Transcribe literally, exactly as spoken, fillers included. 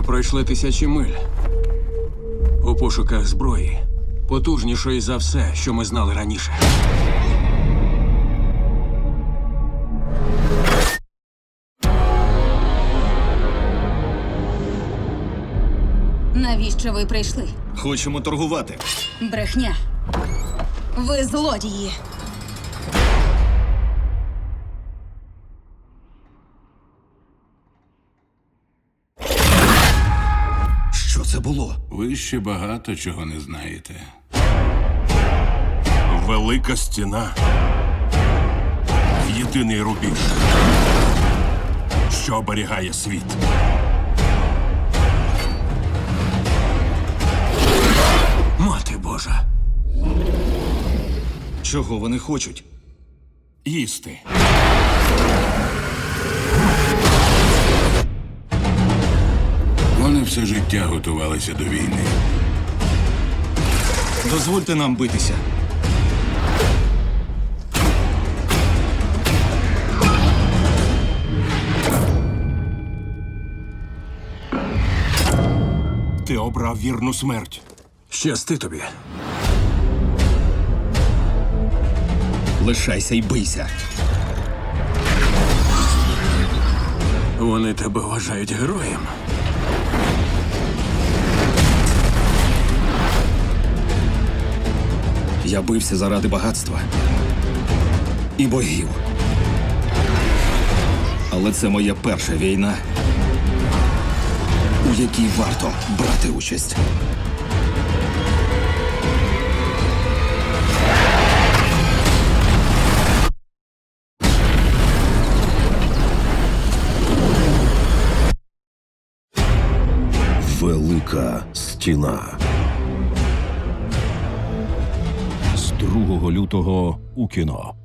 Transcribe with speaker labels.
Speaker 1: Ми пройшли тисячі миль у пошуках зброї, потужнішої за все, що ми знали раніше.
Speaker 2: Навіщо ви прийшли?
Speaker 3: Хочемо торгувати.
Speaker 2: Брехня. Ви злодії.
Speaker 3: Що це було?
Speaker 4: Ви ще багато чого не знаєте.
Speaker 5: Велика стіна. Єдиний рубіж, що оберігає світ.
Speaker 1: Мати Божа!
Speaker 3: Чого вони хочуть?
Speaker 5: Їсти.
Speaker 4: Вони все життя готувалися до війни.
Speaker 3: Дозвольте нам битися.
Speaker 5: Ти обрав вірну смерть.
Speaker 1: Щасти тобі.
Speaker 3: Лишайся і бийся.
Speaker 1: Вони тебе вважають героєм.
Speaker 3: Я бився заради багатства і богів. Але це моя перша війна, у якій варто брати участь.
Speaker 6: Велика стіна. З другого лютого у кіно.